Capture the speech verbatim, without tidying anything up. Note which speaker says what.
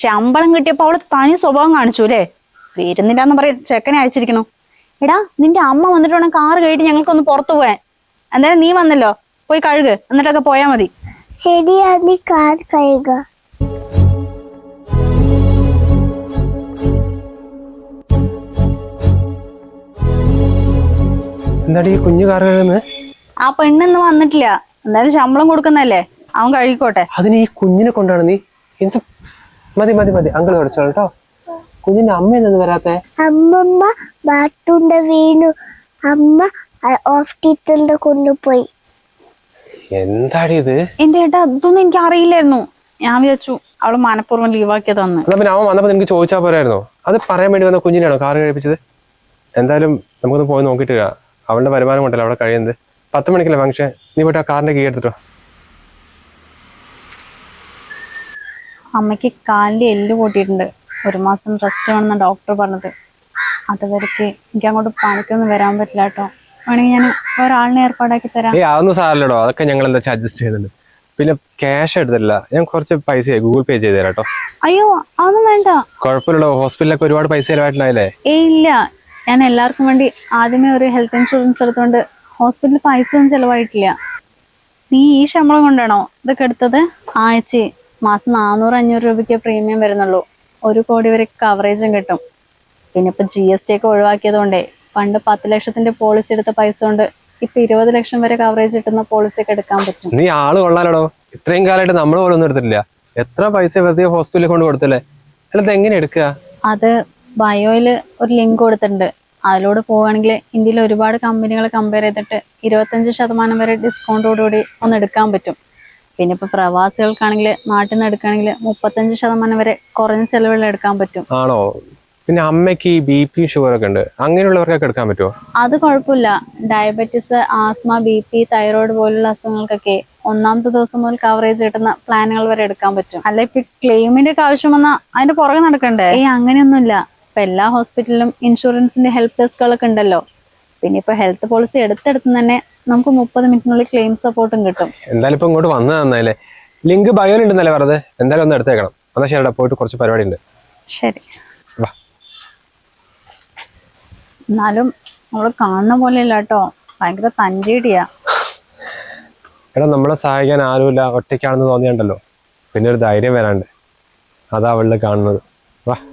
Speaker 1: ശമ്പളം കിട്ടിയപ്പോ അവള് തനി സ്വഭാവം കാണിച്ചു അല്ലേ? വരുന്നില്ലാന്ന് പറയും ചെക്കനെ അയച്ചിരിക്കണു. എടാ നിന്റെ അമ്മ വന്നിട്ട് വേണം കാറ് കഴിയിട്ട് ഞങ്ങൾക്കൊന്ന് പുറത്തു പോവാൻ. എന്തായാലും നീ വന്നല്ലോ, പോയി കഴുക്, എന്നിട്ടൊക്കെ പോയാ മതി.
Speaker 2: ശരിയാണ്, കാർ കഴുക.
Speaker 3: എന്താടി കുഞ്ഞു കാർ കഴുകുന്നത്?
Speaker 1: ആ പെണ്ണിന്ന് വന്നിട്ടില്ല, എന്തായാലും ശമ്പളം കൊടുക്കുന്നല്ലേ, അവൻ കഴുകിക്കോട്ടെ.
Speaker 3: അതിന് ഈ കുഞ്ഞിനെ കൊണ്ടാണ് നീ എന്ത്? മതി മതി മതി, അങ്കിൾ പഠിച്ചോളൂ കേട്ടോ. കുഞ്ഞിന്റെ അമ്മ എന്നു വരാത്തെ?
Speaker 2: അമ്മമ്മ ബാത്തുണ്ട വീണു, അമ്മ ഹോസ്പിറ്റലിൽ കൊണ്ടുപോയി.
Speaker 3: എന്താടി ഇത്?
Speaker 1: എന്റെ ഏട്ടാ ഇതൊന്നും എനിക്ക് അറിയില്ലായിരുന്നു. ഞാൻ വിചാരിച്ചു അവള് മനഃപൂർവ്വം ലീവാക്കിയതാന്ന്.
Speaker 3: എന്നാ പിന്നെ അവൻ വന്നപ്പോ നിനക്ക് ചോദിച്ചാൽ പോരായിരുന്നോ? അത് പറയാൻ വേണ്ടി വന്ന കുഞ്ഞിനാണോ കാറ് കഴിപ്പിച്ചത്? എന്തായാലും നമുക്കൊന്ന് പോയി നോക്കിയിട്ട് വരാം. അവളുടെ വരുമാനം കൊണ്ടല്ലോ അവിടെ കഴിയുന്നത്. പത്ത് മണിക്കല്ലേ ഫംഗ്ഷൻ, നീ പോയിട്ട് ആ കാറിന്റെ കീ എടുത്തിട്ടോ.
Speaker 1: അമ്മയ്ക്ക് കാലിന്റെ എല്ല് പൊട്ടിയിട്ടുണ്ട്, ഒരു മാസം റെസ്റ്റ് വേണമെന്ന ഡോക്ടർ പറഞ്ഞത്. അതുവരെക്ക് എനിക്ക് അങ്ങോട്ട് പണിക്കൊന്നും വരാൻ പറ്റില്ല കേട്ടോ. വേണമെങ്കിൽ ഞാൻ ഒരാളിനെ ഏർപ്പാടാക്കി തരാം.
Speaker 3: ഏയ് അതൊന്നും സാരല്ലോ, അതൊക്കെ ഞങ്ങൾ എന്താ വെച്ചാൽ അഡ്ജസ്റ്റ് ചെയ്യുന്നുണ്ട്. പിന്നെ ക്യാഷ് എടുത്തില്ല, ഞാൻ കുറച്ച് പൈസ ഗൂഗിൾ പേ ചെയ്ത് തരാം കേട്ടോ.
Speaker 1: അയ്യോ അതൊന്നും വേണ്ട.
Speaker 3: കുഴപ്പമില്ലല്ലോ, ഹോസ്പിറ്റലിലൊക്കെ ഒരുപാട് പൈസ ചിലവായിട്ടുണ്ടായില്ലേ?
Speaker 1: ഏയ് ഇല്ല, ഞാൻ എല്ലാവർക്കും വേണ്ടി ആദ്യമേ ഒരു ഹെൽത്ത് ഇൻഷുറൻസ് എടുത്തോണ്ട് ഹോസ്പിറ്റലിൽ പൈസ ഒന്നും ചിലവായിട്ടില്ല. നീ ഈ ശമ്പളം കൊണ്ടാണോ ഇതൊക്കെ എടുത്തത്? ആഴ്ച മാസം നാനൂറ് അഞ്ഞൂറ് രൂപയ്ക്ക് പ്രീമിയം വരുന്നുള്ളൂ, ഒരു കോടി വരെ കവറേജും കിട്ടും. പിന്നെ ഇപ്പൊ ജി എസ് ടി ഒക്കെ ഒഴിവാക്കിയത് കൊണ്ടേ പണ്ട് പത്ത് ലക്ഷത്തിന്റെ പോളിസി എടുത്ത പൈസ കൊണ്ട് ഇപ്പൊ ഇരുപത് ലക്ഷം വരെ കവറേജ് കിട്ടുന്ന പോളിസി ഒക്കെ എടുക്കാൻ പറ്റും.
Speaker 3: നീ ആള് കൊള്ളാലോ, ഇത്രയും കാലമായിട്ട് നമ്മൾ പോലും ഒന്നും എടുത്തിട്ടില്ല. എത്ര പൈസ വെറുതെ ഹോസ്പിറ്റലിൽ കൊണ്ട് കൊടുത്തല്ലേ? അല്ലാതെ എങ്ങനെ എടുക്കുക?
Speaker 1: അത് ബയോയില് ഒരു ലിങ്ക് കൊടുത്തിട്ടുണ്ട്, അതിലൂടെ പോവുകയാണെങ്കിൽ ഇന്ത്യയിൽ ഒരുപാട് കമ്പനികളെ കമ്പയർ ചെയ്തിട്ട് ഇരുപത്തഞ്ച് ശതമാനം വരെ ഡിസ്കൗണ്ടോടുകൂടി ഒന്ന് എടുക്കാൻ പറ്റും. പിന്നെ ഇപ്പൊ പ്രവാസികൾക്കാണെങ്കിൽ നാട്ടിൽ നിന്ന് എടുക്കുകയാണെങ്കിൽ മുപ്പത്തഞ്ച് ശതമാനം വരെ കുറഞ്ഞ ചെലവിൽ എടുക്കാൻ പറ്റും.
Speaker 3: ആണോ? പിന്നെ അമ്മയ്ക്ക് ഈ ബി പി ഷുഗർ ഒക്കെ ഉണ്ട്, അങ്ങനെയുള്ളവർക്കൊക്കെ എടുക്കാൻ പറ്റുമോ?
Speaker 1: അത് കുഴപ്പമില്ല. Diabetes, asthma, B P, thyroid പോലുള്ള അസുഖങ്ങൾക്കൊക്കെ ഒന്നാമത്തെ ദിവസം മുതൽ കവറേജ് കിട്ടുന്ന പ്ലാനുകൾ വരെ എടുക്കാൻ പറ്റും. അല്ല ഇപ്പൊ ക്ലെയിമിന്റെ ഒക്കെ ആവശ്യം വന്നാൽ അതിന്റെ പുറകെ നടക്കണ്ടേ? ഏയ് അങ്ങനെയൊന്നുമില്ല. ഇപ്പൊ എല്ലാ ഹോസ്പിറ്റലിലും ഇൻഷുറൻസിന്റെ ഹെൽപ്പ് ഡെസ്കുകളൊക്കെ ഉണ്ടല്ലോ. പിന്നെ ഇപ്പൊ ഹെൽത്ത് പോളിസി എടുത്തെടുത്ത് തന്നെ നമുക്ക് മുപ്പത് മിനിറ്റിനുള്ളിൽ ക്ലെയിം സപ്പോർട്ടും കിട്ടും.
Speaker 3: എന്തായാലും ഇപ്പൊ ഇങ്ങോട്ട് വന്നത് നന്നായില്ലേ? ലിങ്ക് ബയോയിലുണ്ടെന്നല്ലേ പറഞ്ഞത്? എന്തായാലും ഒന്ന് എടുത്തേക്കണം. എന്നാ ശരിടാ, പോയിട്ട് കുറച്ച് പരിപാടി ഉണ്ട്.
Speaker 1: ശരി. എന്നാലും നമ്മള് കാണുന്ന പോലെയല്ല കേട്ടോ, ഭയങ്കര തഞ്ചേടിയാ.
Speaker 3: എടാ നമ്മളെ സഹായിക്കാൻ ആരുമില്ല, ഒറ്റയ്ക്കാണെന്ന് തോന്നിയുണ്ടല്ലോ, പിന്നെ ഒരു ധൈര്യം വരാണ്ട്. അതാ അവളിൽ കാണുന്നത്. വാ.